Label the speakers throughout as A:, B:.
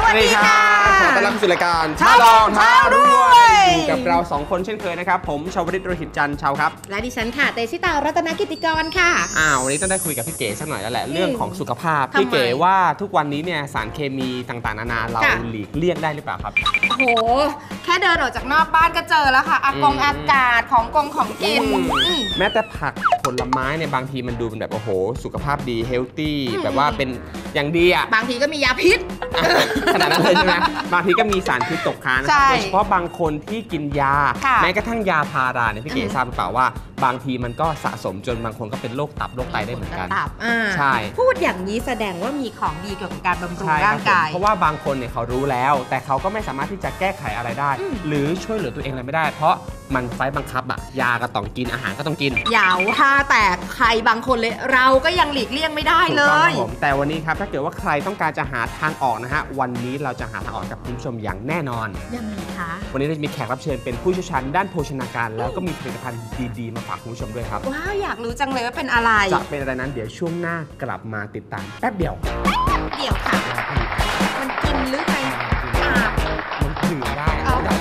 A: วัสดีค่ะขอต้อนรับสู่รายการท้าลองท้ารวยอยู่กับเรา2 คนเช่นเคยนะครับผมชาวริต โรหิตจันทร์ชาวครับ
B: และดิฉันค่ะเตชิตารัตนกิติกรค่ะ
A: วันนี้ต้องได้คุยกับพี่เก๋สักหน่อยแล้วแหละเรื่องของสุขภาพพี่เก๋ว่าทุกวันนี้เนี่ยสารเคมีต่างๆนานาเราหลีกเลี่ยงได้หรือเปล่าครับ
B: โอ้โหแค่เดินออกจากนอกบ้านก็เจอแล้วค่ะอากาศของกิน
A: แม้แต่ผักผลไม้เนี่ยบางทีมันดูเป็นแบบโอ้โหสุขภาพดีเฮลตี้แบบว่าเป็นอย่างดีอ่ะ
B: บางทีก็มียาพิษ
A: ขนาดนั้นเลยใช่ไหมบางทีก็มีสารพิษตกค้างโดยเฉพาะบางคนที่กินยาแม้กระทั่งยาพาราเนี่ยพี่เก๋ทราบหรือเปล่าว่าบางทีมันก็สะสมจนบางคนก็เป็นโรคตับโรคไตได้เหมือนกัน
B: ใช่พูดอย่างนี้แสดงว่ามีของดีเกี่ยวกับการบำรุงร่างกาย
A: เพราะว่าบางคนเนี่ยเขารู้แล้วแต่เขาก็ไม่สามารถที่จะแก้ไขอะไรได้หรือช่วยเหลือตัวเองอะไรไม่ได้เพราะมันไฟบังคับอะยาก็ต้องกินอาหารก็ต้องกิน
B: อย่าว่าแต่ใครบางคนเลยเราก็ยังหลีกเลี่ยงไม่ได้เลย
A: แต่วันนี้ครับถ้าเกิดว่าใครต้องการจะหาทางออกนะฮะวันนี้เราจะหาทางออกกับคุณผู้ชมอย่างแน่นอน
B: ยังไงคะ
A: วันนี้เราจะมีแขกรับเชิญเป็นผู้เชี่ยวชาญด้านโภชนาการแล้วก็มีผลิตภัณฑ์ดีๆมาฝากคุณผู้ชมด้วยครับ
B: ว้าวอยากรู้จังเลยว่าเป็นอะไร
A: จะเป็นอะไรนั้นเดี๋ยวช่วงหน้ากลับมาติดตามแป๊บเดียว
B: ค่ะมันกินหรือไง
A: มันถือได้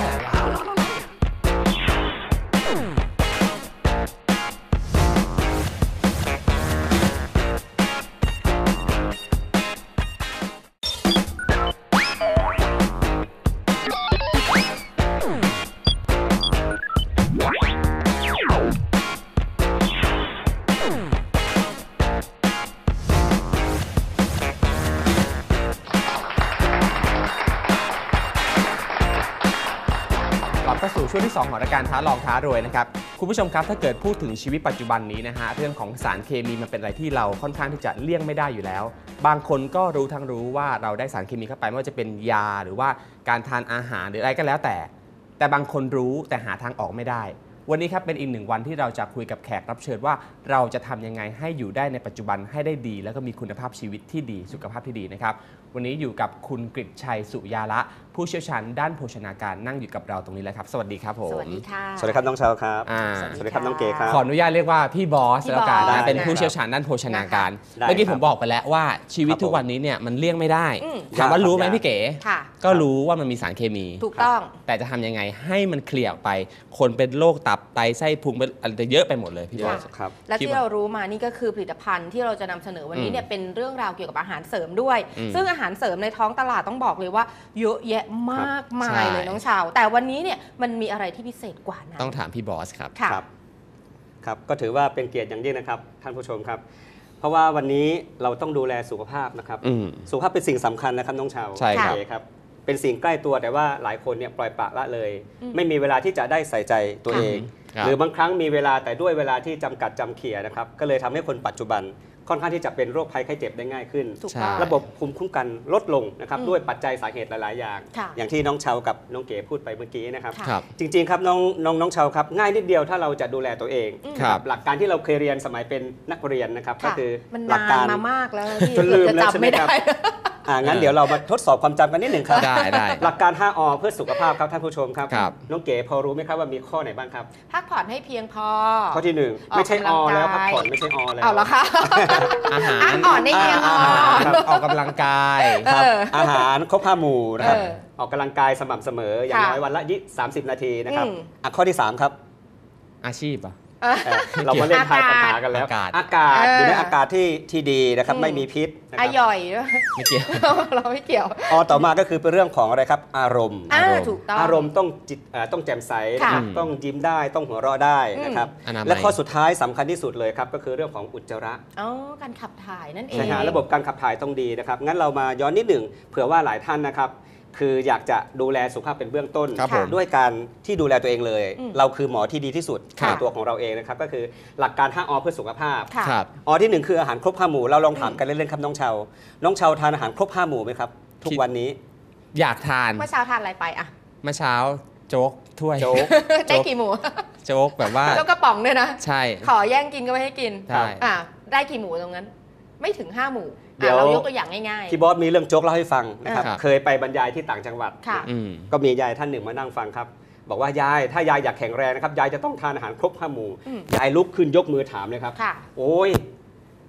A: ช่วงที่2ของรายการท้าลองท้ารวยนะครับคุณผู้ชมครับถ้าเกิดพูดถึงชีวิตปัจจุบันนี้นะฮะเรื่องของสารเคมีมันเป็นอะไรที่เราค่อนข้างที่จะเลี่ยงไม่ได้อยู่แล้วบางคนก็รู้ทั้งรู้ว่าเราได้สารเคมีเข้าไปไม่ว่าจะเป็นยาหรือว่าการทานอาหารหรืออะไรก็แล้วแต่บางคนรู้แต่หาทางออกไม่ได้วันนี้ครับเป็นอีก1 วันที่เราจะคุยกับแขกรับเชิญว่าเราจะทำยังไงให้อยู่ได้ในปัจจุบันให้ได้ดีแล้วก็มีคุณภาพชีวิตที่ดีสุขภาพที่ดีนะครับวันนี้อยู่กับคุณกฤษชัยสุยาละผู้เชี่ยวชาญด้านโภชนาการนั่งอยู่กับเราตรงนี้แล้วครับสวัสดีครับผม
B: สวัสดีค่ะ
C: สวัสดีครับน้องเชาครับสวัสดีครับน้องเก๋ครับ
A: ขออนุญาตเรียกว่าพี่บอสแล้วกันนะเป็นผู้เชี่ยวชาญด้านโภชนาการเมื่อกี้ผมบอกไปแล้วว่าชีวิตทุกวันนี้เนี่ยมันเลี่ยงไม่ได้ถามว่ารู้ไหมพี่เก๋ก็รู้ว่ามันมีสารเคมี
B: ถูกต้อง
A: แต่จะทำยังไงให้มันเคลียร์ไปคนเป็นโรคตับไตไส้พุงเป็นอะไรเยอะไปหมดเลยพี่บอส
B: ครับและที่เรารู้มานี่ก็คือผลิตภัณฑ์ที่เราจะนำเสนอวันนี้เนี่ยเป็นเรื่องราวเกี่ยวกับอาหารเสริมด้วยซึ่งอาหารเสริมในท้องตลาดต้องบอกเลยว่าเยอะแยะมากมายเลยน้องชาวแต่วันนี้เนี่ยมันมีอะไรที่พิเศษกว่านั้น
A: ต้องถามพี่บอสครับ
C: ครับก็ถือว่าเป็นเกียรติอย่างยิ่งนะครับท่านผู้ชมครับเพราะว่าวันนี้เราต้องดูแลสุขภาพนะครับสุขภาพเป็นสิ่งสำคัญนะครับน้องชาว
A: ใช่ครับ
C: เป็นสิ่งใกล้ตัวแต่ว่าหลายคนเนี่ยปล่อยปละละเลยไม่มีเวลาที่จะได้ใส่ใจตัวเองหรือบางครั้งมีเวลาแต่ด้วยเวลาที่จำกัดจำเขี่ยนะครับก็เลยทำให้คนปัจจุบันค่อนข้างที่จะเป็นโรคภัยไข้เจ็บได้ง่ายขึ้นระบบภูมิคุ้มกันลดลงนะครับด้วยปัจจัยสาเหตุหลายๆอย่างที่น้องเชากับน้องเก๋พูดไปเมื่อกี้นะครับจริงๆครับน้องเชาครับง่ายนิดเดียวถ้าเราจะดูแลตัวเองหลักการที่เราเคยเรียนสมัยเป็นนักเรียนนะครับก็คือ
B: หลักการมามากแล้ว
C: จนลืมแล้วใช่ไหมครับงั้นเดี๋ยวเรามาทดสอบความจำกันนิดหนึ่งครับ
A: ได้
C: หลักการ5 อเพื่อสุขภาพครับท่านผู้ชมครับน้องเก๋พอรู้ไหมครับว่ามีข้อไหนบ้างครับ
B: พักผ่อนให้เพียงพอ
C: ข้อที่1ไม่ใช่อแล้วพักผ่อนไม่ใช่อแล้ว
B: เอาละค่ะ
A: อาหาร
B: อ่อนได้เพียงพอ
A: ออกกำลังกาย
C: ครับอาหารครบ5 หมู่นะครับออกกำลังกายสม่ำเสมออย่างน้อยวันละ30 นาทีนะครับข้อที่3ครับ
A: อาชีพ
C: เรามาเล่นทายปัญหากันแล้วอากาศอยู่ในอากาศที่ดีนะครับไม่มีพิษ
B: อร่อย
A: ไม่เกี่ยว
B: เราไม่เกี่ยว
C: ต่อมาก็คือเป็นเรื่องของอะไรครับอารมณ์
B: ถูกต้อง
C: อารมณ์ต้องแจ่มใสต้องยิ้มได้ต้องหัวเราะได้นะครับและข้อสุดท้ายสำคัญที่สุดเลยครับก็คือเรื่องของอุจจาระ
B: การขับถ่ายนั่นเอง
C: ใช่ครับระบบการขับถ่ายต้องดีนะครับงั้นเรามาย้อนนิดหนึ่งเผื่อว่าหลายท่านนะครับคืออยากจะดูแลสุขภาพเป็นเบื้องต้นด้วยการที่ดูแลตัวเองเลยเราคือหมอที่ดีที่สุดในตัวของเราเองนะครับก็คือหลักการ5 อเพื่อสุขภาพที่1คืออาหารครบ5 หมู่เราลองถามกันเล่นๆครับน้องเชาทานอาหารครบ5 หมู่ไหมครับทุกวันนี้
A: อยากทาน
B: เมื่อเช้าทานอะไรไป
A: เมื่อเช้าโจ๊กถ้วย
B: ได้กี่หมู่
A: โจ๊กแบบว่า
B: โจ๊กกระป๋องด้วยนะ
A: ใช่
B: ขอแย่งกินก็ไม่ให้กินได้กี่หมู่ตรงนั้นไม่ถึง5 หมู่เรายกตัวอย่างง่าย
C: ๆพี่บอสมีเรื่องโจ๊กเล่าให้ฟังนะครับเคยไปบรรยายที่ต่างจังหวัดก็มียายท่านหนึ่งมานั่งฟังครับบอกว่ายายถ้ายายอยากแข็งแรงนะครับยายจะต้องทานอาหารครบ5 หมู่ยายลุกขึ้นยกมือถามเลยครับโอ้ย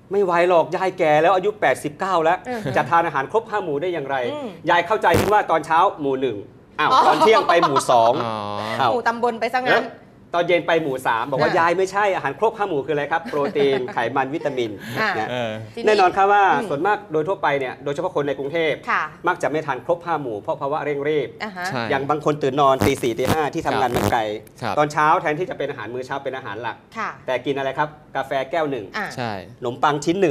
C: ไม่ไหวหรอกยายแก่แล้วอายุ 89 แล้วจะทานอาหารครบ5 หมู่ได้อย่างไร ยายเข้าใจคิดว่าตอนเช้าหมู่ 1อ้าวตอนเที่ยงไปหมู่ 2
B: หมู่ตำบลไปซะงั้น
C: ตอนเย็นไปหมู่ 3 บอกว่ายายไม่ใช่อาหารครบ5 หมู่คืออะไรครับโปรตีนไขมันวิตามินแน่นอนครับว่าส่วนมากโดยทั่วไปเนี่ยโดยเฉพาะคนในกรุงเทพมักจะไม่ทานครบ5 หมู่เพราะภาวะเร่งรีบอย่างบางคนตื่นนอนตี 4 ตี 5ที่ทำงานมันไกลตอนเช้าแทนที่จะเป็นอาหารมื้อเช้าเป็นอาหารหลักแต่กินอะไรครับกาแฟแก้ว 1ขนมปังชิ้น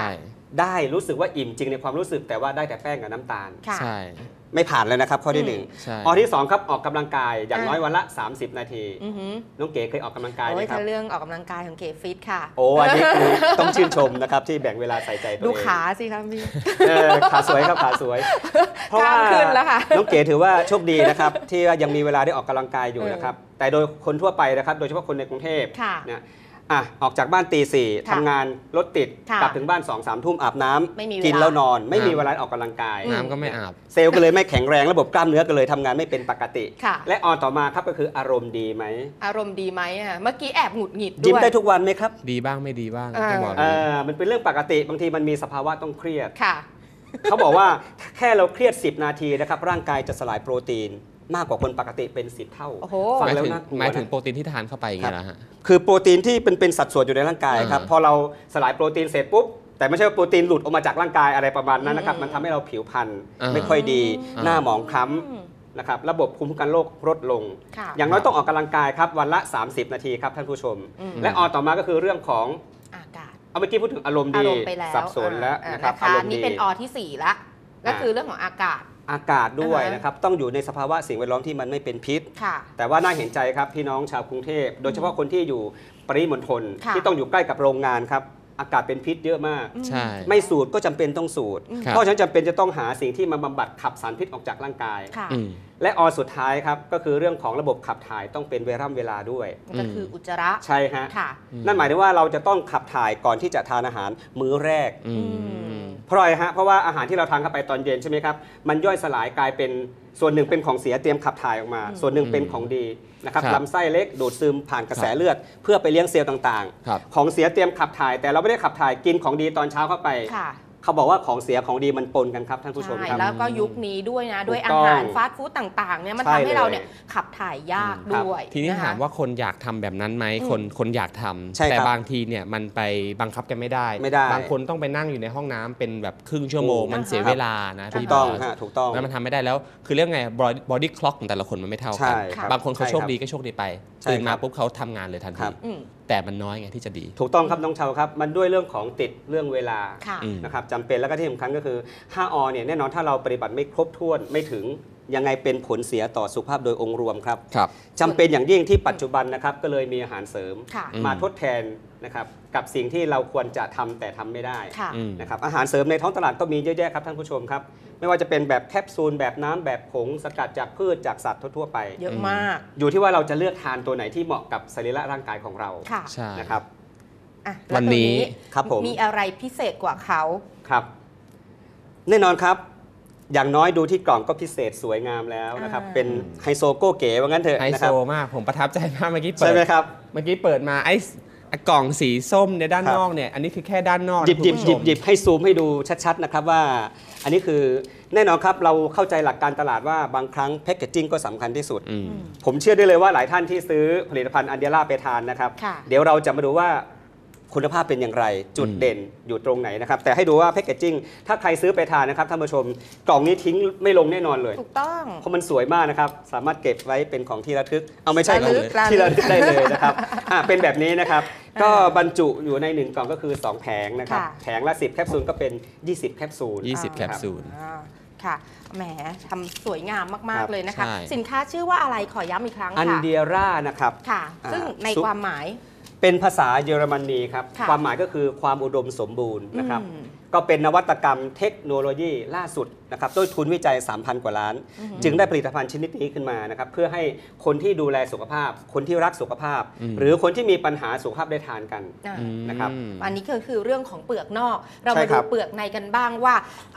C: 1ได้รู้สึกว่าอิ่มจริงในความรู้สึกแต่ว่าได้แต่แป้งกับน้ำตาลไม่ผ่านเลยนะครับข้อที่1ข้อที่2ครับออกกำลังกายอย่างน้อยวันละ30 นาทีน้องเก๋เคยออกกำลังกายไหมครับ
B: เรื่องออกกำลังกายของเก๋ฟิตค่ะ
C: โอ้อันนี้คือต้องชื่นชมนะครับที่แบ่งเวลาใส่ใจตัวเอง
B: ดูขาสิครับพี่
C: ขาสวยครับขาสวยเพราะว่าน้องเก๋ถือว่าโชคดีนะครับที่ยังมีเวลาได้ออกกำลังกายอยู่นะครับแต่โดยคนทั่วไปนะครับโดยเฉพาะคนในกรุงเทพเนี่ยออกจากบ้านตี 4ทำงานรถติดกลับถึงบ้าน 2-3 ทุ่มอาบน้ำกินแล้วนอนไม่มีเวลาออกกำลังกาย
A: น้ำก็ไม่อาบ
C: เซลล์ก็เลยไม่แข็งแรงระบบกล้ามเนื้อก็เลยทำงานไม่เป็นปกติและออนต่อมาครับก็คืออารมณ์ดีไหม
B: อารมณ์ดีไหมเมื่อกี้แอบหงุดหงิดด้วย
C: ยิ้มได้ทุกวันไหมครับ
A: ดีบ้างไม่ดีบ้าง
C: มันเป็นเรื่องปกติบางทีมันมีสภาวะต้องเครียดเขาบอกว่าแค่เราเครียด10 นาทีนะครับร่างกายจะสลายโปรตีนมากกว่าคนปกติเป็น10 เท่า
A: ฟังแล้วน่ากลัวหมายถึงโปรตีนที่ทานเข้าไปอย่างเงี้ยนะฮะ
C: คือโปรตีนที่เป็นสัดส่วนอยู่ในร่างกายครับพอเราสลายโปรตีนเสร็จปุ๊บแต่ไม่ใช่ว่าโปรตีนหลุดออกมาจากร่างกายอะไรประมาณนั้นนะครับมันทำให้เราผิวพรรณไม่ค่อยดีหน้าหมองคล้ำนะครับระบบภูมิคุ้มกันโรคลดลงอย่างน้อยต้องออกกำลังกายครับวันละ30 นาทีครับท่านผู้ชมและต่อมาก็คือเรื่องของ
B: อากาศ
C: เมื่อกี้พูดถึงอารมณ์ดีสับสนแล้วนะครับ
B: อารมณ์ดีนี่เป็นที่4ละก็คือเรื่องของอาก
C: าศด้วยนะครับต้องอยู่ในสภาวะสิ่งแวดล้อมที่มันไม่เป็นพิษแต่ว่าน่าเห็นใจครับพี่น้องชาวกรุงเทพโดยเฉพาะคนที่อยู่ปริมณฑลที่ต้องอยู่ใกล้กับโรงงานครับอากาศเป็นพิษเยอะมากไม่สูดก็จำเป็นต้องสูดเพราะฉะนั้นจำเป็นจะต้องหาสิ่งที่มาบำบัดขับสารพิษออกจากร่างกายและสุดท้ายครับก็คือเรื่องของระบบขับถ่ายต้องเป็นเวลาด้วย
B: ก็คืออุจจาระ
C: ใช่ฮะนั่นหมายถึงว่าเราจะต้องขับถ่ายก่อนที่จะทานอาหารมื้อแรกเพราะอะไรฮะเพราะว่าอาหารที่เราทานเข้าไปตอนเย็นใช่ไหมครับมันย่อยสลายกลายเป็นส่วนหนึ่งเป็นของเสียเตรียมขับถ่ายออกมาส่วนหนึ่งเป็นของดีนะครับลำไส้เล็กดูดซึมผ่านกระแสเลือดเพื่อไปเลี้ยงเซลล์ต่างๆของเสียเตรียมขับถ่ายแต่เราไม่ได้ขับถ่ายกินของดีตอนเช้าเข้าไปเขาบอกว่าของเสียของดีมันปนกันครับท่านผู้ชมครับ
B: แล้วก็ยุคนี้ด้วยนะด้วยอาหารฟาสต์ฟู้ดต่างๆเนี่ยมันทำให้เราเนี่ยขับถ่ายยากด้วย
A: ทีนี้ถามว่าคนอยากทำแบบนั้นไหมคนอยากทำแต่บางทีเนี่ยมันไปบังคับกันไม่ได้บางคนต้องไปนั่งอยู่ในห้องน้ำเป็นแบบครึ่งชั่วโมงมันเสียเวลานะ
C: ถูกต้องถูกต้อง
A: แล้วมันทำไม่ได้แล้วคือเรื่องไง body clock ของแต่ละคนมันไม่เท่ากันบางคนเขาโชคดีก็โชคดีไปตื่นมาปุ๊บเขาทำงานเลยทันทีแต่มันน้อยไงที่จะดี
C: ถูกต้องครับน้องเชาครับมันด้วยเรื่องของติดเรื่องเวลานะครับจำเป็นแล้วก็ที่สำคัญก็คือ5 อเนี่ยแน่นอนถ้าเราปฏิบัติไม่ครบถ้วนไม่ถึงยังไงเป็นผลเสียต่อสุขภาพโดยองค์รวมครับจำเป็นอย่างยิ่งที่ปัจจุบันนะครับก็เลยมีอาหารเสริมมาทดแทนนะครับกับสิ่งที่เราควรจะทำแต่ทำไม่ได้นะครับอาหารเสริมในท้องตลาดก็มีเยอะแยะครับท่านผู้ชมครับไม่ว่าจะเป็นแบบแคปซูลแบบน้ำแบบผงสกัดจากพืชจากสัตว์ทั่วไป
B: เยอะมาก
C: อยู่ที่ว่าเราจะเลือกทานตัวไหนที่เหมาะกับสรีระร่างกายของเรานะครับ
B: วันนี้ครับผมมีอะไรพิเศษกว่าเขา
C: ครับแน่นอนครับอย่างน้อยดูที่กล่องก็พิเศษสวยงามแล้วนะครับเป็นไฮโซโก้เก๋ว่างั้นเถอะ
A: ไฮโซมากผมประทับใจมากเมื่อกี้
C: เปิดใช่ไหมครับ
A: เมื่อกี้เปิดมาไอ้กล่องสีส้มในด้านนอกเนี่ยอันนี้คือแค่ด้านนอก
C: หยิบให้ซูมให้ดูชัดๆนะครับว่าอันนี้คือแน่นอนครับเราเข้าใจหลักการตลาดว่าบางครั้งแพคเกจจิ้งก็สำคัญที่สุดผมเชื่อได้เลยว่าหลายท่านที่ซื้อผลิตภัณฑ์อันเดียร่าไปทานนะครับเดี๋ยวเราจะมาดูว่าคุณภาพเป็นอย่างไรจุดเด่นอยู่ตรงไหนนะครับแต่ให้ดูว่าแพคเกจจิ้งถ้าใครซื้อไปทานนะครับท่านผู้ชมกล่องนี้ทิ้งไม่ลงแน่นอนเลย
B: ถูกต้อง
C: เพราะมันสวยมากนะครับสามารถเก็บไว้เป็นของที่ระลึกเอาไม่ใช่ของที่ระลึกได้เลยนะครับเป็นแบบนี้นะครับก็บรรจุอยู่ใน1 กล่องก็คือ2 แผงนะครับแผงละ10 แคปซูลก็เป็น20 แคปซูล
A: 20 แคปซูล
B: ค่ะแหมทำสวยงามมากๆเลยนะคะสินค้าชื่อว่าอะไรขอย้ำอีกครั้งค่ะ
C: อันเดียร่านะครับ
B: ค่ะซึ่งในความหมาย
C: เป็นภาษาเยอรมนีครับความหมายก็คือความอุดมสมบูรณ์นะครับก็เป็นนวัตกรรมเทคโนโลยีล่าสุดนะครับด้วยทุนวิจัย 3,000 กว่าล้านจึงได้ผลิตภัณฑ์ชนิดนี้ขึ้นมานะครับเพื่อให้คนที่ดูแลสุขภาพคนที่รักสุขภาพหรือคนที่มีปัญหาสุขภาพได้ทานกันนะครับ
B: อันนี้คือเรื่องของเปลือกนอกเรามาดูเปลือกในกันบ้างว่า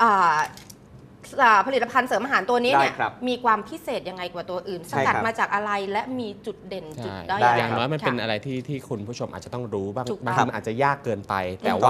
B: ผลิตภัณฑ์เสริมอาหารตัวนี้เนี่ยมีความพิเศษยังไงกว่าตัวอื่นสกัดมาจากอะไรและมีจุดเด่นจุดด้อย
A: อย่างน้อยมันเป็นอะไรที่คุณผู้ชมอาจจะต้องรู้บางทีอาจจะยากเกินไปแต่ว่า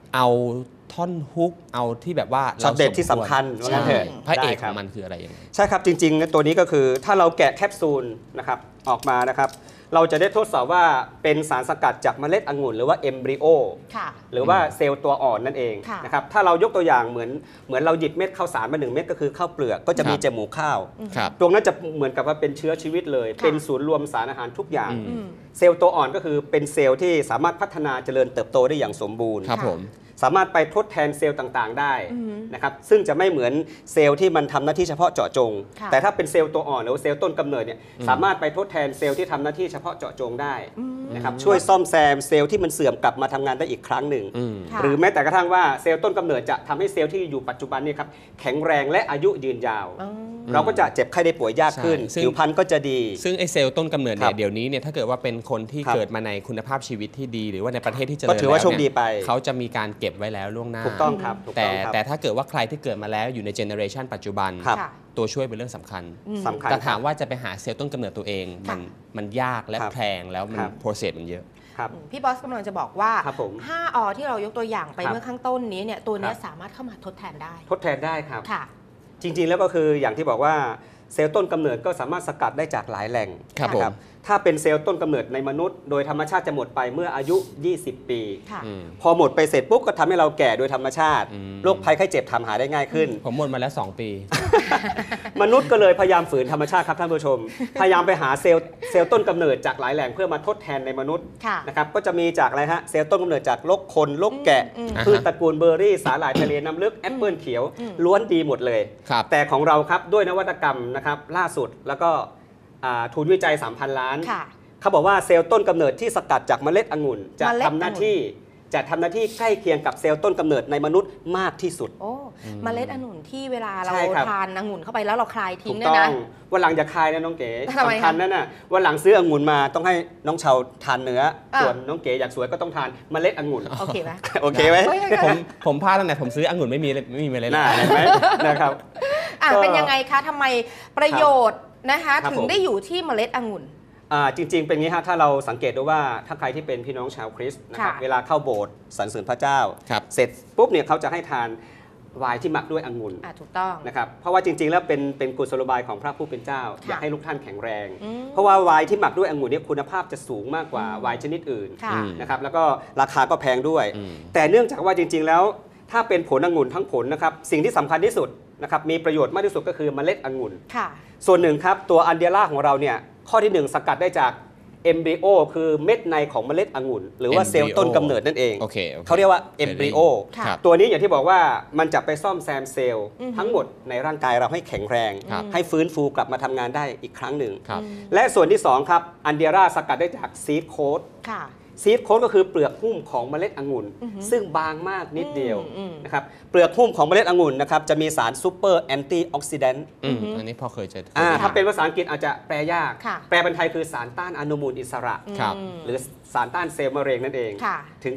A: เอาท่อนฮุกเอาที่แบบว่า
C: ช็อตเด็ดที่สำคัญ
A: ใช่
C: ว่างั้นเถอะ
A: พระเอก
C: ได้ค
A: ข
C: รั
A: อบ งมันคืออะไรยังไง
C: ใช่ครับจริงๆตัวนี้ก็คือถ้าเราแกะแคปซูลนะครับออกมานะครับเราจะได้ทดสอบว่าเป็นสารสกัดจากเมล็ดองุ่นหรือว่าเอมบริโอ
B: ค่ะ
C: หรือว่าเซลล์ตัวอ่อนนั่นเอง
B: ค่ะ
C: นะครับถ้าเรายกตัวอย่างเหมือนเราหยิบเม็ดข้าวสารมา1 เม็ดก็คือข้าวเปลือกก็จะมี
A: ครับ
C: จมูกข้าว
A: ครับ
C: ตรงนั้นจะเหมือนกับว่าเป็นเชื้อชีวิตเลย
B: ค่ะ
C: เป็นศูนย์รวมสารอาหารทุกอย่าง
A: อืม
C: เซลล์ตัวอ่อนก็คือเป็นเซลล์ที่สามารถพัฒนาเจริญเติบโตได้อย่างสมบูรณ์
A: ครับผม
C: สามารถไปทดแทนเซลล์ต่างๆ ได้
B: อืม
C: นะครับซึ่งจะไม่เหมือนเซลล์ที่มันทำหน้าที่เฉพาะเจาะจง
B: ค่ะ
C: แต่ถ้าเป็นเซลล์ตัวอ่อนหรือว่าเซลล์ต้นกำเนิดเนี่ยสามารถไปทดแทนเซลล์ที่ทำหน้าที่เฉพาะเจาะจงได้นะครับช่วยซ่อมแซมเซลล์ที่มันเสื่อมกลับมาทำงานได้อีกครั้งหนึ่ง
A: อืม
B: ค่ะ
C: หรือแม้แต่กระทั่งว่าเซลล์ต้นกำเนิดจะทำให้เซลล์ที่อยู่ปัจจุบันนี่ครับแข็งแรงและอายุยืนยาว
B: อืม
C: เราก็จะเจ็บไข้ได้ป่วยยากขึ้น
A: ใช่ซึ่ง
C: ผิวพรรณก็จะดี
A: ซึ่งไอเซลล์ต้นกำเนิด
C: ครั
A: เนี่ย
C: บ
A: เดี๋ยวนี้เนี่ยถ้าเกิดว่าเป็นคนที่
C: ครับ
A: เกิดมาในคุณภาพชีวิตที่ดี หรือว่าในประเทศที่เจริญ
C: ก็ถือว่า
A: แล้ว
C: โชคดีไป
A: เขาจะมีการเก็บไว้แล้วล่วงหน้า
C: ถูกต้องครับถูก
A: แต่
C: ต้องครับ
A: แต่ถ้าเกิดว่าใครที่เกิดมาแล้วอยู่ในเจเนอเรชันปัจจุบัน
C: ครับ
B: ค่ะ
A: ตัวช่วยเป็นเรื่องสำคัญ
C: สำคัญ
A: แต่ถาม
C: ครับ
A: ว่าจะไปหาเซลล์ต้นกำเนิดตัวเองมันยากและ
C: ครับ
A: แพงแล้วมัน
C: ครับ
A: โปรเซสมันเยอะ
C: ครับ
B: พี่บอสกำลังจะบอกว่า
C: ครับผม
B: 5 อที่เรายกตัวอย่างไป
C: ครับ
B: เมื่อข้างต้นนี้เนี่ยตัวเนี้ย
C: ครับ
B: สามารถเข้ามาทดแทนได้
C: ทดแทนได้ครับ
B: ค่ะ
C: จริงๆ แล้วก็คืออย่างที่บอกว่าเซลล์ต้นกำเนิดก็สามารถสกัดได้จากหลายแหล่ง
A: ครับ
C: นะ
A: ผม
C: ถ้าเป็นเซลล์ต้นกำเนิดในมนุษย์ โดยธรรมชาติจะหมดไปเมื่ออายุ 20 ปี
B: ค่ะ
A: อืม
C: พอหมดไปเสร็จปุ๊บก็ทำให้เราแก่โดยธรรมชาติ
A: อืม
C: โรคภัยไข้เจ็บทำหาได้ง่ายขึ้น
A: ผมหมดมาแล้ว 2 ปี
C: มนุษย์ก็เลยพยายามฝืนธรรมชาติครับท่านผู้ชม พยายามไปหาเซลล์ต้นกำเนิดจากหลายแหล่งเพื่อมาทดแทนในมนุษย์
B: ค่ะ
C: นะครับก็จะมีจากอะไรฮะเซลล์ต้นกำเนิดจากลกคนลกแกะ
B: อืม
C: พืชตระกูลเบอร์รี่สาหร่ายทะเลน้ำลึกแอปเปิลเขียว ล้วนดีหมดเลย
A: ครับ
C: แต่ของเราครับด้วยนวัตกรรมนะครับล่าสุดแล้วก็ทุนวิจัย 3,000 ล้าน
B: ค่ะ
C: เขาบอกว่าเซลล์ต้นกำเนิดที่สกัดจากเมล็ดองุ่นจะ
B: เมล็ด
C: ทำหน้าที่ใกล้เคียงกับเซลล์ต้นกำเนิดในมนุษย์มากที่สุด
B: โอ้เมล็ดองุ่นที่เวลาเรา
C: ใช่ครับ
B: ทานองุ่นเข้าไปแล้วเราคลายทิ้
C: ถู
B: ง
C: ก
B: เนี่ย
C: ต้อ
B: นะ
C: งวันหลังอย่าคายนะน้องเก๋
B: ทำไมคะ
C: สำคัญนั่นน่ะวันหลังซื้อองุ่นมาต้องให้น้องเชาทานเนื้อ
B: อ่ะ
C: ส่วนน้องเก๋อยากสวยก็ต้องทานเมล็ดองุ่น
B: โอเคไหม
C: โอเคไหม
B: เฮ้ย
A: ผมพลาดตั้งแต่ผมซื้อองุ่นไม่มีเมล็ด
C: น่าเห็นไหมนะครับ
B: อ่ะ
C: ก็
B: เป็นยังไงคะทำไมประโยชน์นะคะ
C: ครับ
B: ถึง
C: ผม
B: ได้อยู่ที่เมล็ดองุ่น
C: จริง ๆ เป็นงี้ฮะถ้าเราสังเกตดูว่าถ้าใครที่เป็นพี่น้องชาวคริสต์นะครับ
B: ค่ะ
C: เวลาเข้าโบสถ์สรรเสริญพระเจ้า
A: ครับ
C: เสร็จปุ๊บเนี่ยเขาจะให้ทานไวน์ที่หมักด้วยองุ่น
B: ถูกต้อง
C: นะครับเพราะว่าจริง ๆ แล้วเป็นกุศโลบายของพระผู้เป็นเจ้า
B: ค่ะ
C: อยากให้ลูกท่านแข็งแรง
B: อืม
C: เพราะว่าไวน์ที่หมักด้วยองุ่นเนี่ยคุณภาพจะสูงมากกว่าไวน์ชนิดอื่น
B: ค่ะ
A: อืม
C: นะครับแล้วก็ราคาก็แพงด้วย
A: อืม
C: แต่เนื่องจากว่าจริง ๆ แล้วถ้าเป็นผลองุ่นทั้งผลนะครับสิ่งที่สำคัญที่สุดนะครับมีประโยชน์มากที่สุดก็คือเมล็ดองุ่น
B: ค่ะ
C: ส่วนหนึ่งครับตัวอันเดียร่าของเราเนี่ยข้อที่ 1 สกัดได้จากเอมบริโอคือเม็ดในของเมล็ดองุ่น หรือว่าเซลล์ต้นกำเนิดนั่นเอง
A: โอเค
C: เขาเรียกว่าเอมบริโอ
B: ค่ะ
A: ครับ
C: ตัวนี้อย่างที่บอกว่ามันจะไปซ่อมแซมเซลล์
B: อือฮึ
C: ทั้งหมดในร่างกายเราให้แข็งแรง
A: ครับ
C: ให้ฟื้นฟูกลับมาทำงานได้อีกครั้งหนึ่ง
A: ครับ
C: และส่วนที่ 2 ครับอันเดียร่าสกัดได้จากซีดโค้ด
B: ค่ะ
C: ซีดโค้ดก็คือเปลือกหุ้มของเมล็ดองุ่น
B: อือฮึ
C: ซึ่งบางมากนิดเดียว
B: อืม
C: นะครับเปลือกหุ้มของเมล็ดองุ่นนะครับจะมีสารซูเปอร์แอนตี้ออกซิแดนต์
A: อันนี้พอเคยเจอ
C: ถ้าเป็นภาษาอังกฤษอาจจะแปลยาก
B: ค่ะ
C: แปลเป็นไทยคือสารต้านอนุมูลอิสระ
A: ครับ
C: หรือสารต้านเซลล์มะเร็งนั่นเอง
B: ค่ะ
C: ถึง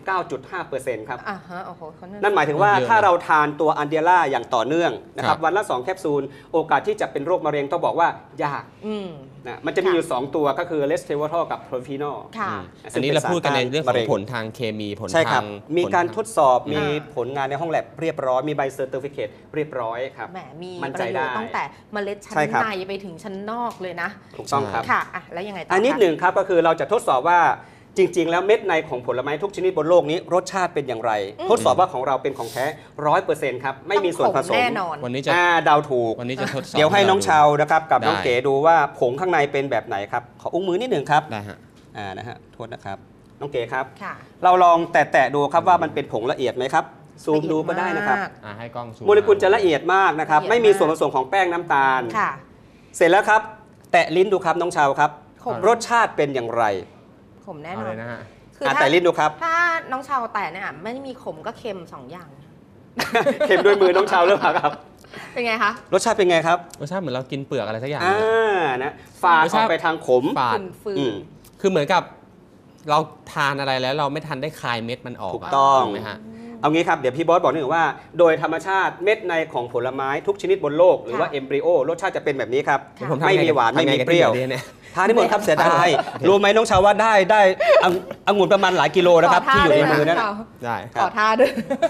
C: 99.5% ครับ
B: อ่าฮะโอ้โหเขา
C: นั่นหมายถึงว่า
A: เยอะนะ
C: ถ้าเราทานตัวอันเดียร่าอย่างต่อเนื่องนะค
A: ครั
C: รับบ วันละ 2 แคปซูล โอกาสที่จะเป็นโรคมะเร็งต้องบอกว่ายาก
B: อืม
C: นะมันจะมีอยู่ 2 ตัวก็คือเลสเทวอทอลกับโพรฟีนอล
B: ค่ะ
A: อันนี้เราพูดกันในเรื่องข
C: มะ
A: อ
C: เร็
A: ง
C: ง
A: ผลทางเคมีผล
C: ใช่ครั
A: ทา
C: บ
A: ง
C: มีการทดสอบมี
B: อ่า
C: ผลงานในห้องแลบเรียบร้อย มีใบเซอร์ติฟิเคตเรียบร้อยครับ
B: แหมมี
C: มั่น
B: ป
C: ใจ
B: ระโยชน์
C: ได้
B: ตั้งแต่เมล็ดชั้น
C: ใช่ครับ
B: ในไปถึงชั้นนอกเลยนะ
C: ถูกต้องครับ
B: ค่ะอ่ะแล้วยังไงต่อ
C: อั
B: อั
C: นนิดหนึ่งครับก็คือเราจะทดสอบว่าจริง ๆ แล้วเม็ดในของผลไม้ทุกชนิดบนโลกนี้รสชาติเป็นอย่างไร ทดสอบว่าของเราเป็นของแท้ 100% ครับไม่มีส่วนผสม
B: แน่นอน
A: วันนี้จะ
C: เดาถูก
A: วันนี้จะทดสอบ
C: เดี๋ยวให้น้องเชาวนะครับกับ
A: ได้
C: น้องเก๋ดูว่าผงข้างในเป็นแบบไหนครับขออุ้งมือนิดหนึ่งครับ
A: ได้ฮะ
C: นะฮะโทษนะครับน้องเก๋ครับ
B: ค่ะ
C: เราลองแตะๆดูครับว่ามันเป็นผงละเอียดไหมครับซูมดูก็ได้นะครับ
B: ละเอียดมาก
A: ให้กล้องซูม
C: โมเลกุลจะละเอียดมากนะครับ
B: ละเอียด
C: ไม่มี
B: มาก
C: ส่วนผสมของแป้งน้ำตาล
B: ค่ะ
C: เสร็จแล้วครับ แตะลิ้นดูครับน้องเชาวครับ
B: ขม
C: รสชาติเป็นอย่างไร
B: ขมแน่น
A: เอา
B: อ
A: เล
B: น
A: ยนะฮะ
B: คือถ้า
C: แตะลิ้นดูครับ
B: ถ้าน้องชาวแต่เนี่ยไม่ได้มีขมก็เค็มสองอย่าง
C: เค็มด้วยมือน้องเชาวหรือเปล่าครับ
B: เป็นไงคะ
C: รสชาติเป็นไงครับ
A: รสชาติเหมือนเรากินเปลือกอะไรสักอย่าง
C: นะฝาด
A: รส
C: อ
A: ชา
C: อ
A: ติ
C: กไปทางขม
A: ฝาด
B: ฟืน
C: อืม
A: คือเหมือนกับเราทานอะไรแล้วเราไม่ทันได้คายเม็ดมันออก
C: ถูกต้อง
A: ถูกไหมฮะ
C: เอางี้ครับเดี๋ยวพี่บอสบอกนิดนึงว่าโดยธรรมชาติเม็ดในของผลไม้ทุกชนิดบนโลกหรือว่าเอมบริโอรสชาติจะเป็นแบบนี้ครับ
A: ผมทำ
C: ไม่มีหวานไม่มีเปรี้ยว
A: ทำไงกันที่ดี๋เนี่ย
C: ทานที่หมดครับเสียดายรู้ไหมน้องชาวว่าได้องุ่นประมาณหลายกิโลนะครับที่อยู่ในมือนั่น
A: ได้
B: ขอท่าด้วย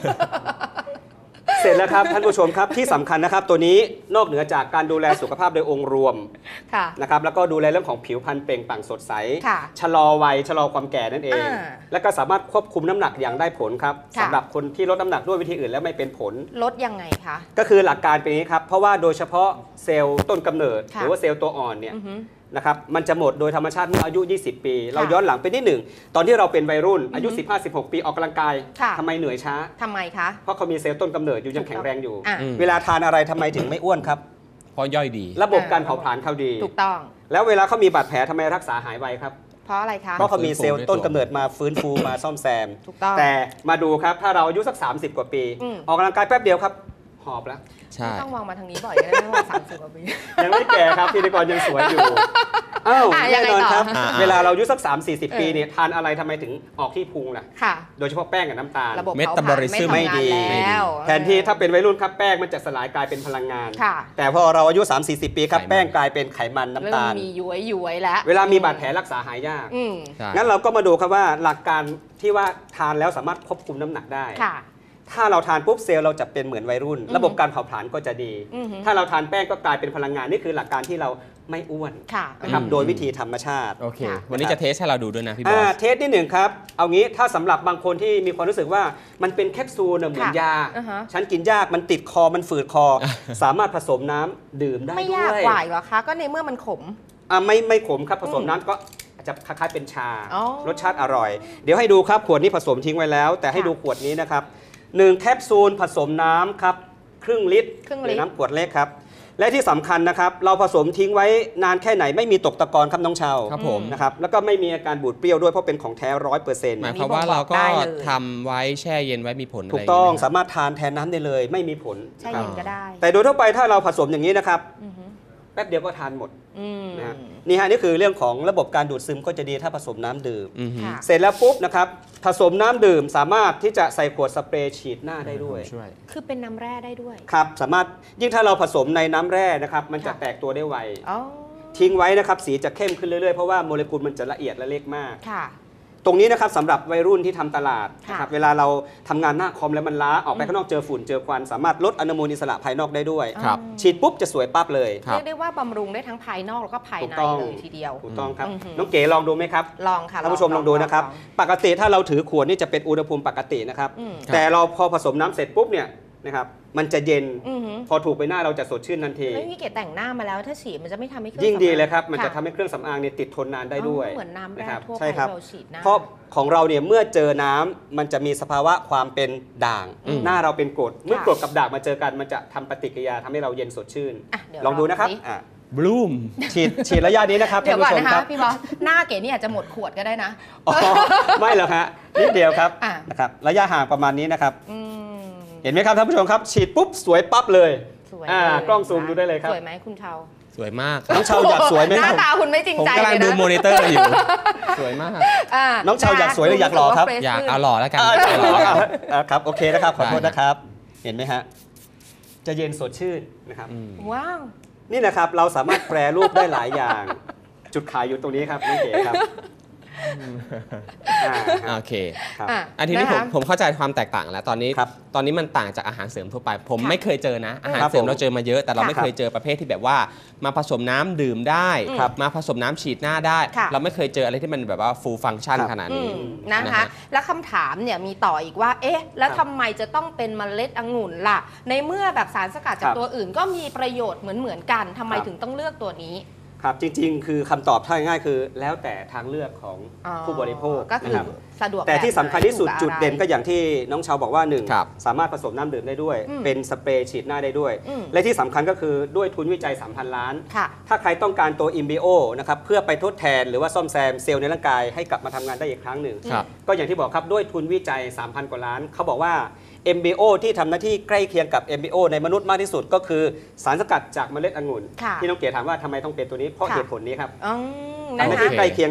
C: เสร็จแล้วครับท่านผู้ชมครับที่สำคัญนะครับตัวนี้นอกเหนือจากการดูแลสุขภาพโดยองค์รวม
B: ค่ะ
C: นะครับแล้วก็ดูแลเรื่องของผิวพรรณเปล่งปลั่งสดใส
B: ค่ะ
C: ชะลอวัยชะลอความแก่นั่นเอง แล้วก็สามารถควบคุมน้ำหนักอย่างได้ผลครับ
B: ค่ะ
C: สำหรับคนที่ลดน้ำหนักด้วยวิธีอื่นแล้วไม่เป็นผล
B: ลดยังไงคะ
C: ก็คือหลักการเป็นอย่างนี้ครับเพราะว่าโดยเฉพาะเซลล์ต้นกำเนิด
B: ค่ะ
C: หรือว่าเซลล์ตัวอ่อนเนี่ย
B: อือฮึ
C: นะครับมันจะหมดโดยธรรมชาติเมื่ออายุ 20 ปี เราย้อนหลังไปนิดหนึ่งตอนที่เราเป็นวัยรุ่นอายุ 15-16 ปีออกกำลังกาย
B: ค่ะ
C: ทำไมเหนื่อยช้า
B: ทำไมคะ
C: เพราะเขามีเซลล์ต้นกำเนิดอยู่ยังแข็งแรงอยู่
B: อ่ะ
C: เวลาทานอะไรทำไมถึงไม่อ้วนครับ
A: เพราะย่อยดี
C: ระบบการเผาผลาญเขาดี
B: ถูกต้อง
C: แล้วเวลาเขามีบาดแผลทำไมรักษาหายไวครับ
B: เพราะอะไรคะ
C: เพราะเขามีเซลล์ต้นกำเนิดมาฟื้นฟูมาซ่อมแซม
B: ถูกต้อง
C: แต่มาดูครับถ้าเราอายุสัก 30 กว่าปี
B: อืม
C: ออกกำลังกายแป๊บเดียวครับหอบแล้ว
A: ใช่
B: ไม่ต้องมองมาทางนี้บ่อยก็ได้ไม่ว่า30 กว่าปี
C: ยังไม่แก่ครับพิธีกรยังสวยอยู่อ้าว
B: อ่ะยั
C: แน่
B: งไง
C: นอน
B: ต่อ
C: ครับ เวลาเราอายุสัก 30-40 ปี
B: เออ
C: เนี่ยทานอะไรทำไมถึงออกที่พุงล่ะ
B: ค่ะ
C: โดยเฉพาะแป้งกับน้ำตาล
B: ระบบ
A: เม
B: เผา
A: ตา
B: ผ
A: บอ
B: ลาญ
A: ลิ
B: ไม่
A: ซึม
B: ทำงาน
C: ไม่ดี
B: แล้ว
C: แทนที่ถ้าเป็นวัยรุ่นครับแป้งมันจะสลายกลายเป็นพลังงาน
B: ค่ะ
C: แต่พอเราอายุ 30-40 ปีครับ
A: ไขมัน
C: แป้งกลายเป็นไขมันน้ำ
B: เริ่ม
C: ตาล
B: มีย้วยแล้ว
C: เวลามีบาดแผลรักษาหายยาก
B: อืม
A: ใช่
C: งั้นเราก็มาดูครับว่าหลักการที่ว่าทานแล้วสามารถควบคุมน้ำหนักได้
B: ค่ะ
C: ถ้าเราทานปุ๊บเซลล์เราจะเป็นเหมือนวัยรุ่น ระบบการเผาผลาญก็จะดี
B: อือฮึ
C: ถ้าเราทานแป้งก็กลายเป็นพลังงานนี่คือหลักการที่เราไม่อ้วน
B: ค่ะ
C: นะครับ
A: อืม
C: โดยวิธีธรรมชาติ
A: โอเค
B: ค่ะ
A: วันนี้จะเทสให้เราดูด้วยนะพี่บอส
C: เทสนิดหนึ่งครับ เอางี้ถ้าสำหรับบางคนที่มีความรู้สึกว่ามันเป็นแคปซูลน่ะเหมือน
B: ค่ะ
C: ยา
B: อ่าฮะ
C: ฉันกินยากมันติดคอมันฝืดคอ สามารถผสมน้ำดื่มได้
B: ไม่
C: ด้วย
B: ยากกว่าอีกเหรอคะ ก็ในเมื่อมันขม
C: ไม่ขมครับผสมน้ำก็จะคล้ายๆเป็นชา
B: อ๋อ
C: รสชาติอร่อย เดี๋ยวให้ดูครับขวดนี้ผสมทิ้งไว้แล้ว แต่ให้
B: ค่ะ
C: ดูขวดนี้นะครับ1แคปซูลผสมน้ำครับครึ่งลิตร
B: ครึ่ง
C: ห
B: ลิตร
C: รือน้ำขวดเล็กครับและที่สำคัญนะครับเราผสมทิ้งไว้นานแค่ไหนไม่มีตกตะกอนครับน้องชาว
A: ครับผม
C: นะครับแล้วก็ไม่มีอาการบูดเปรี้ยวด้วยเพราะเป็นของแท้
A: หมาย
C: 100%
A: ความว่าเราก็
B: ได้เลย
A: ทำไว้แช่เย็นไว้มีผล
C: ถูกต้อง
A: ะไรย่
C: สามารถทานแทนน้ำได้เลย ไม่มีผล
B: ใช่
C: นะครับ
B: เย็นก็ได้
C: แต่โดยทั่วไปถ้าเราผสมอย่างนี้นะครับ
B: อือฮึ
C: แป๊บเดียวก็ทานหมด
B: อืม
C: นะฮะนี่ฮะนี่คือเรื่องของระบบการดูดซึมก็จะดีถ้าผสมน้ำดื่ม
A: อือฮึ
B: ค่ะ
C: เสร็จแล้วปุ๊บนะครับผสมน้ำดื่มสามารถที่จะใส่ขวดสเปรย์ฉีดหน้าได้ด้วย
A: ช่วย
B: คือเป็นน้ำแร่ได้ด้วย
C: ครับสามารถยิ่งถ้าเราผสมในน้ำแร่นะครับมันจะ
B: ค่ะ
C: แตกตัวได้ไว
B: อ๋อ
C: ทิ้งไว้นะครับสีจะเข้มขึ้นเรื่อยๆ เพราะว่าโมเลกุลมันจะละเอียดและเล็กมาก
B: ค่ะ
C: ตรงนี้นะครับสำหรับวัยรุ่นที่ทำตลาด
B: ค่ะ
C: นะครับเวลาเราทำงานหน้าคอมแล้วมันล้าออกไปข้างนอกเจอฝุ่นเจอควันสามารถลดอนุมูลอิสระภายนอกได้ด้วย
A: ครับ
C: ฉีดปุ๊บจะสวยปั๊บเลย
A: ครับ
B: เรียกได้ว่าบำรุงได้ทั้งภายนอกแล้วก็ภาย
C: ถูก
B: ใน
C: ต้อง
B: เลยทีเดียว
C: ถูกต้องครับ
B: อือหือ
C: น้องเก๋ลองดูไหมครับ
B: ลองค่ะ
C: ท่านผู้ชมลองดูนะครับ ปกติถ้าเราถือขวดนี่จะเป็นอุณหภูมิปกตินะครับ
B: อืม
C: แต่เราพอผสมน้ำเสร็จปุ๊บเนี่ยนะครับมันจะเย็น
B: อือหือ
C: พอถูกไปหน้าเราจะสดชื่นทันที
B: แล้วนี่เกดแต่งหน้ามาแล้วถ้าฉีดมันจะไม่ทำให้เครื่อง
C: ยิ่งดี
B: สำอาง
C: เลยครับมันจะ
B: ค่
C: ทำให้เครื่องสำอางเนี่ยติดทนนานได้ด้วย
B: เหมือนน้ำแร่
C: นะครับ
B: ทั่วไป
C: ใช่ครับ
B: ที่เราฉีดหน้า
C: เพราะของเราเนี่ยเมื่อเจอน้ำมันจะมีสภาวะความเป็นด่าง
B: อืม
C: หน้าเราเป็นกรดเมื่อ
B: ค่ะ
C: กรดกับด่างมาเจอกันมันจะทำปฏิกิริยาทำให้เราเย็นสดชื่น
B: อ่ะเดี๋ยว
C: ลองดูนะครับ
B: สิ
C: อ่ะ
A: บลูม
C: ฉีดระยะนี้นะครับ
B: เดี๋
C: ท่าย น
B: วก่อน
C: ผู้ชม
B: นะ
C: ค
B: คะ
C: รับ
B: พี่บอสหน้าเก๋นี่อาจจะหมดขวดก็ได้นะ
C: อ๋อไม่หรอกฮะนิดเดียวครับ
B: อ่ะ
C: นะครับระยะห่างประมาณนี้นะครับ
B: อืม
C: เห็นไหมครับท่านผู้ชมครับ ฉีดปุ๊บสวยปั๊บเลย
B: สวย
C: อ่า
B: เลย
C: กล้องซูมดูได้เลยครับ
B: สวยไหมคุณเชา
A: สวยมาก
C: น้องชาวอยากสวยไหม
B: ห
C: ค
B: น้า
C: รับ
B: ตาคุณไม่จริง
A: ผม
B: ใจ
A: กำลัง
B: เลย
A: ดู
B: นะ
A: มอนิเตอร์อยู่ สวยมาก
C: น้องชาวอยากสวยหรืออยากหล่อครับ
A: อยากเอาหล่อแล้วกัน
C: ครับโอเคนะครับขอโทษ
A: ได้
C: นะครับ เห็นไหมฮะจะเย็นสดชื่นนะครับ
A: อืม
B: ว้าว
C: นี่นะครับเราสามารถแปรรูปได้หลายอย่าง จุดขายอยู่ตรงนี้ครับน้องเก๋ครับอ่าครับ
A: โอเค
C: ครับ
B: อ่ะ
A: อันทีนี้ผม
B: ะคะ
A: ผมเข้าใจความแตกต่างแล้วตอนนี้
C: ครับ
A: ตอนนี้มันต่างจากอาหารเสริมทั่วไป ผม
B: ค่ะ
A: ไม่เคยเจอนะ อาหาร
C: ครับ
A: เสริม
C: ผม
A: เราเจอมาเยอะ แต่เรา
B: ค่ะ
A: ไม่เคยเจอประเภทที่แบบว่า มาผสมน้ำดื่มได้
B: ครับ
A: มาผสมน้ำฉีดหน้าได้
B: ค่ะ
A: เราไม่เคยเจออะไรที่มันแบบว่า full function
C: ครับ
A: ขนาด
B: อื
A: นี้
B: มนะคะ
A: นะฮะ
B: แล้วคำถามเนี่ยมีต่ออีกว่า เอ๊ะ แล้ว
C: ครับ
B: ทำไมจะต้องเป็นเมล็ดองุ่นล่ะ ในเมื่อแบบสารสกัดจา
C: ค
B: ก
C: รับ
B: ตัวอื่นก็มีประโยชน์เหมือนกันทำไม
C: ครับ
B: ถึงต้องเลือกตัวนี้
C: ครับจริงๆ คือคำตอบถ้าง่ายๆคือ แล้วแต่ทางเลือกของ
B: อ๋อ
C: ผู้บริโภค
B: ก็คื
C: นะ
B: อ
C: ครับ
B: สะดวก
C: แต่ที่สำคัญที่สุด
B: แบบไหน
C: จุดเด่น
B: ถู
C: ก็
B: ก
C: อย่างที่น้องชาวบอกว่าหนึ่ง
A: ครับ
C: สามารถผสมน้ำดื่มได้ด้วย
B: อืม
C: เป็นสเปรย์ฉีดหน้าได้ด้วย
B: อืม
C: และที่สำคัญก็คือด้วยทุนวิจัย 3,000 ล้าน
B: ค่ะ
C: ถ้าใครต้องการตัว INBIO นะครับเพื่อไปทดแทนหรือว่าซ่อมแซมเซลล์ในร่างกายให้กลับมาทำงานได้อีกครั้งหนึ่ง
A: ครับ
C: ก็อย่างที่บอกครับด้วยทุนวิจัย 3,000 กว่าล้าน เขาบอกว่า MBO ที่ทำหน้าที่ใกล้เคียงกับ MBO ในมนุษย์มากที่สุดก็คือสารสกัดจากเมล็ดองุ่น
B: ค่ะ
C: ที่น้องเก๋ถามว่าทำไมต้องเป็นตัวนี้เพราะ
B: ค่ะ
C: เหตุผลนี้ครับ
B: อืม
C: ทำห
B: นะ
C: น้า
B: คะ
C: ที่ใกล้เคียงกับ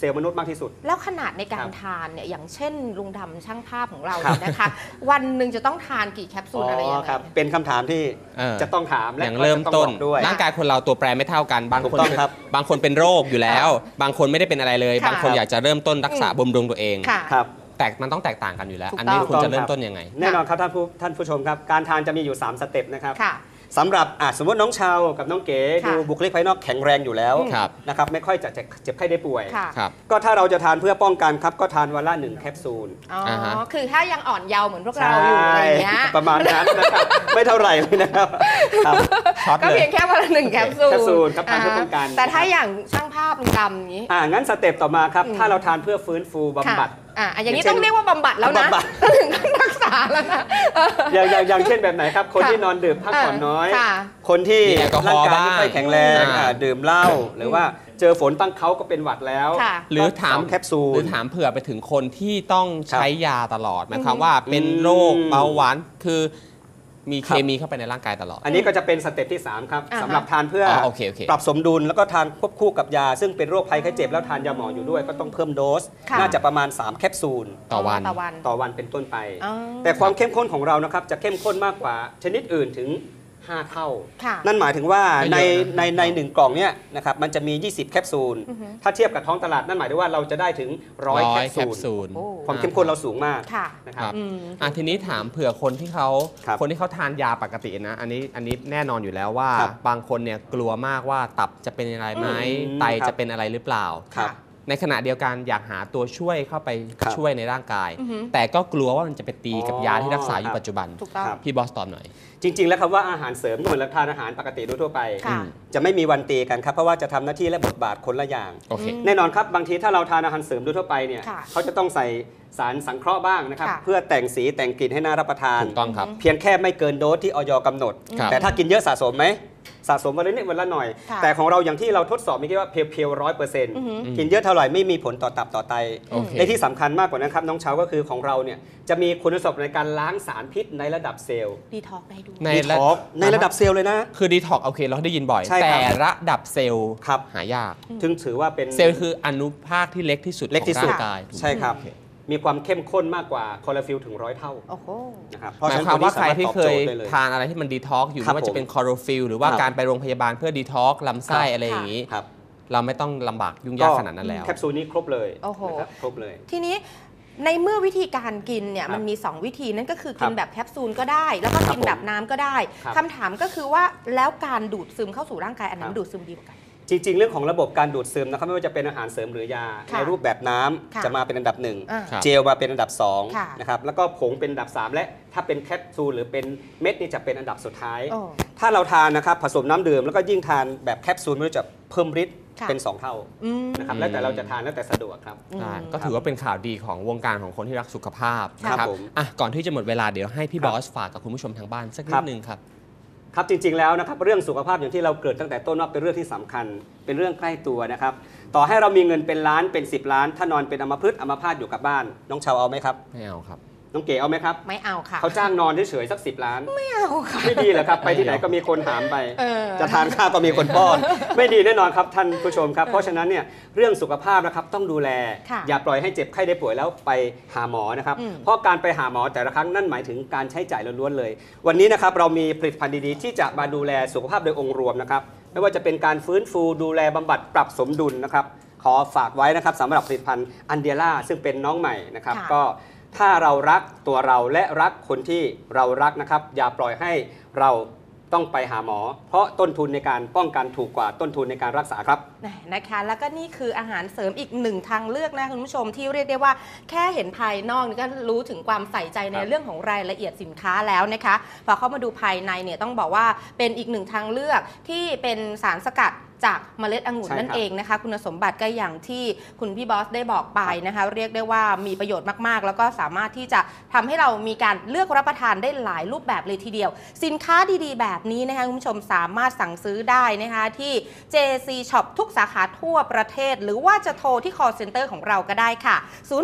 C: เซลล์มนุษย์มากที่สุด
B: แล้วขนาดในการทานเนี่ยอย่างเช่นลุงดำช่างภาพของเราเนี่ยนะคะวันหนึ่งจะต้องทานกี่แคปซูลอะไรอย่างเงี้ย
C: เป็นคำถามที่จะต้องถามและ
A: อย่างเริ่มต้น
C: ด้วย
A: ร่างกายคนเราตัวแปรไม่เท่ากันบางคนเป็นโรคอยู่แล้วบางคนไม่ได้เป็นอะไรเลยบางคนอยากจะเริ่มต้นรักษาบำรุงตัวเองแต่มันต้องแตกต่างกันอยู่แล้วอันนี้คุณจะเริ่มต้นยังไง
C: แน่นอนครับท่านผู้ชมครับการทานจะมีอยู่3สเต็ปนะครับสำหรับสมมติน้องชาวกับน้องเก๋ดูบุคลิกภายนอกแข็งแรงอยู่แล้วนะครับไม่ค่อยจะเจ็บไข้ได้ป่วยก็ถ้าเราจะทานเพื่อป้องกันครับก็ทานวันละ1แคปซูล
B: คือถ้ายังอ่อนเยาว์เหมือนพวกเราอยู่อะไรอย่างเงี้ย
C: ประมาณนั้นนะครับไม่เท่าไหร่เลยนะครับ
B: ก็เพียงแค่วันละ1แคปซูล
C: ครับทานเพื่อป้องกัน
B: แต่ถ้าอย่างช่างภาพลุงดำอย่างนี้
C: งั้นสเต็ปต่อมาครับถ้าเราทานเพื่อฟื้นฟูบำบัด
B: อย่างนี้ต้องเรียกว่าบำบัดแล้วนะถึงขั้นรักษาแล้วนะ
C: อย่างเช่นแบบไหนครับคนที่นอนดื่มพักผ่อนน้อยคนที่ร่างกายไม่ค่อยแข็งแรงดื่มเหล้าหรือว่าเจอฝนตั้งเขาก็เป็นหวัดแล้ว
A: หรือถาม
C: แคปซูล
A: หรือถามเผื่อไปถึงคนที่ต้องใช้ยาตลอดหมายความว่าเป็นโรคเบาหวานคือมีเคมีเข้าไปในร่างกายตลอด
C: อันนี้ก็จะเป็นสเต็ปที่3ครับสำหรับทานเพื่อปรับสมดุลแล้วก็ทานควบคู่กับยาซึ่งเป็นโรคภัยไข้เจ็บแล้วทานยาหมออยู่ด้วยก็ต้องเพิ่มโดสน่าจะประมาณ3แคปซูล
A: ต่อ
C: วันเป็นต้นไปแต่ความเข้มข้นของเรานะครับจะเข้มข้นมากกว่าชนิดอื่นถึง5 เท่านั่นหมายถึงว่าใน1กล่องเนี้ยนะครับมันจะมี20แคปซูลถ้าเทียบกับท้องตลาดนั่นหมายถึงว่าเราจะได้ถึง100แคปซูลความเข้มข้นเราสูงมาก
A: นะครับทีนี้ถามเผื่อคนที่เขาทานยาปกตินะอันนี้แน่นอนอยู่แล้วว่าบางคนเนี่ยกลัวมากว่าตับจะเป็นอะไรไหมไตจะเป็นอะไรหรือเปล่าในขณะเดียวกันอยากหาตัวช่วยเข้าไปช่วยในร่างกายแต่ก็กลัวว่ามันจะไปตีกับยาที่รักษาอยู่ปัจจุบันพี่บอสตอบหน่อย
C: จริงๆแล้วคำว่าอาหารเสริมก็เหมือนทานอาหารปกติทั่วไปจะไม่มีวันตีกันครับเพราะว่าจะทำหน้าที่และบทบาทคนละอย่างแน่นอนครับบางทีถ้าเราทานอาหารเสริมทั่วไปเนี่ยเขาจะต้องใส่สารสังเคราะห์บ้างนะครับเพื่อแต่งสีแต่งกลิ่นให้น่ารับประทาน
A: ถูกต้องครับ
C: เพียงแค่ไม่เกินโดสที่อย.กำหนดแต่ถ้ากินเยอะสะสมไหมสะสมวันละนิดวันละหน่อยแต่ของเราอย่างที่เราทดสอบมีแค่ว่าเพียว100%กินเยอะเท่าไหร่ไม่มีผลต่อตับต่อไตในที่สำคัญมากกว่านั้นครับน้องเชาก็คือของเราเนี่ยจะมีคุณสมบัติในการล้างสารพิษในระดับเซลล์
B: ดีท็อกได้ด้วย
C: ในระดับเซลล์เลยนะ
A: คือดีท็อกโอเคเราได้ยินบ่อยแต่ระดับเซลล์หายาก
C: ถึงถือว่าเป็น
A: เซลล์คืออนุภาคที่เล็กที่สุดของร่างกาย
C: ใช่ครับมีความเข้มข้นมากกว่าคลอโรฟิลถึง100 เท่า
A: นะครับหมายความว่าใครที่เคยทานอะไรที่มันดีท็อกอยู่ไม่ว่าจะเป็นคลอโรฟิลหรือว่าการไปโรงพยาบาลเพื่อดีท็อกลำไส้อะไรอย่างนี้เราไม่ต้องลำบากยุ่งยากขนาดนั้นแล้ว
C: แคปซูลนี้ครบเลยครบเลย
B: ทีนี้ในเมื่อวิธีการกินเนี่ยมันมี2วิธีนั่นก็คือกินแบบแคปซูลก็ได้แล้วก็กินแบบน้ำก็ได้คำถามก็คือว่าแล้วการดูดซึมเข้าสู่ร่างกายอันนั้นดูดซึมดีกว่ากัน
C: จริงๆเรื่องของระบบการดูดซึมนะครับไม่ว่าจะเป็นอาหารเสริมหรือยาในรูปแบบน้ำจะมาเป็นอันดับ1เจลมาเป็นอันดับ2นะครับแล้วก็ผงเป็นอันดับ3และถ้าเป็นแคปซูลหรือเป็นเม็ดนี่จะเป็นอันดับสุดท้ายถ้าเราทานนะครับผสมน้ำดื่มแล้วก็ยิ่งทานแบบแคปซูลมันจะเพิ่มฤทธิ์เป็น2 เท่านะครับแล้วแต่เราจะทานแล้วแต่สะดวกครับ
A: ก็ถือว่าเป็นข่าวดีของวงการของคนที่รักสุขภาพนะครับก่อนที่จะหมดเวลาเดี๋ยวให้พี่บอสฝากกับคุณผู้ชมทางบ้านสักนิดนึงครับ
C: ครับจริงๆแล้วนะครับเรื่องสุขภาพอย่างที่เราเกิดตั้งแต่ต้นว่าเป็นเรื่องที่สำคัญเป็นเรื่องใกล้ตัวนะครับต่อให้เรามีเงินเป็นล้านเป็น10 ล้านถ้านอนเป็นอัมพฤกษ์อัมพาตอยู่กับบ้านน้องชาวเอาไหมครับ
A: ไม่เอาครับ
C: น้องเก๋เอาไหมครับ
B: ไม่เอาค่ะ
C: เขาจ้างนอนเฉยๆสัก10 ล้าน
B: ไม่เอาค่ะ
C: ไม่ดีเหรอครับไปที่ไหนก็มีคนหามไปจะทานข้าวก็มีคนป้อนไม่ดีแน่นอนครับท่านผู้ชมครับเพราะฉะนั้นเนี่ยเรื่องสุขภาพนะครับต้องดูแลอย่าปล่อยให้เจ็บไข้ได้ป่วยแล้วไปหาหมอนะครับเพราะการไปหาหมอแต่ละครั้งนั่นหมายถึงการใช้จ่ายล้วนๆเลยวันนี้นะครับเรามีผลิตภัณฑ์ดีๆที่จะมาดูแลสุขภาพโดยองค์รวมนะครับไม่ว่าจะเป็นการฟื้นฟูดูแลบำบัดปรับสมดุลนะครับขอฝากไว้นะครับสำหรับผลิตภัณฑ์อันเดียร่าซึ่งเป็นน้องใหม่นะครับก็ถ้าเรารักตัวเราและรักคนที่เรารักนะครับอย่าปล่อยให้เราต้องไปหาหมอเพราะต้นทุนในการป้องกันถูกกว่าต้นทุนในการรักษาครับ
B: นะคะแล้วก็นี่คืออาหารเสริมอีก1ทางเลือกนะคุณผู้ชมที่เรียกได้ว่าแค่เห็นภายนอกนี่ก็รู้ถึงความใส่ใจในเรื่องของรายละเอียดสินค้าแล้วนะคะพอเข้ามาดูภายในเนี่ยต้องบอกว่าเป็นอีก1ทางเลือกที่เป็นสารสกัดจากเมล็ดองุ่นนั่นเองนะคะคุณสมบัติก็อย่างที่คุณพี่บอสได้บอกไปนะคะเรียกได้ว่ามีประโยชน์มากๆแล้วก็สามารถที่จะทำให้เรามีการเลือกรับประทานได้หลายรูปแบบเลยทีเดียวสินค้าดีๆแบบนี้นะคะคุณผู้ชมสามารถสั่งซื้อได้นะคะที่ JC Shop ทุกสาขาทั่วประเทศหรือว่าจะโทรที่ call center ของเราก็ได้ค่ะ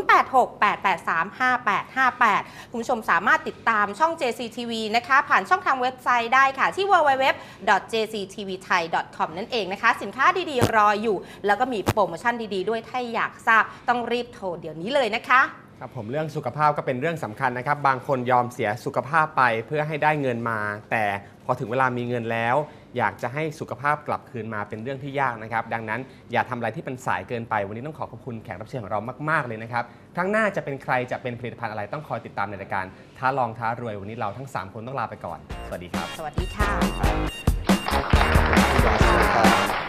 B: 0868835858คุณผู้ชมสามารถติดตามช่อง JC TV นะคะผ่านช่องทางเว็บไซต์ได้ค่ะที่ www.jctvthai.com นั่นเองนะคะนะคะสินค้าดีๆรออยู่ แล้วก็มีโปรโมชั่นดีๆด้วยถ้าอยากทราบต้องรีบโทรเดี๋ยวนี้เลยนะคะ
A: ครับผมเรื่องสุขภาพก็เป็นเรื่องสำคัญนะครับบางคนยอมเสียสุขภาพไปเพื่อให้ได้เงินมา แต่พอถึงเวลามีเงินแล้ว อยากจะให้สุขภาพกลับคืนมาเป็นเรื่องที่ยากนะครับดังนั้นอย่าทำอะไรที่เป็นสายเกินไปวันนี้ต้องขอบคุณแขกรับเชิญของเรามากๆเลยนะครับครั้งหน้าจะเป็นใครจะเป็นผลิตภัณฑ์อะไรต้องคอยติดตามในรายการท้าลองท้ารวยวันนี้เราทั้ง3คนต้องลาไปก่อนสวัสดีครับ
B: สวัสดีค่ะ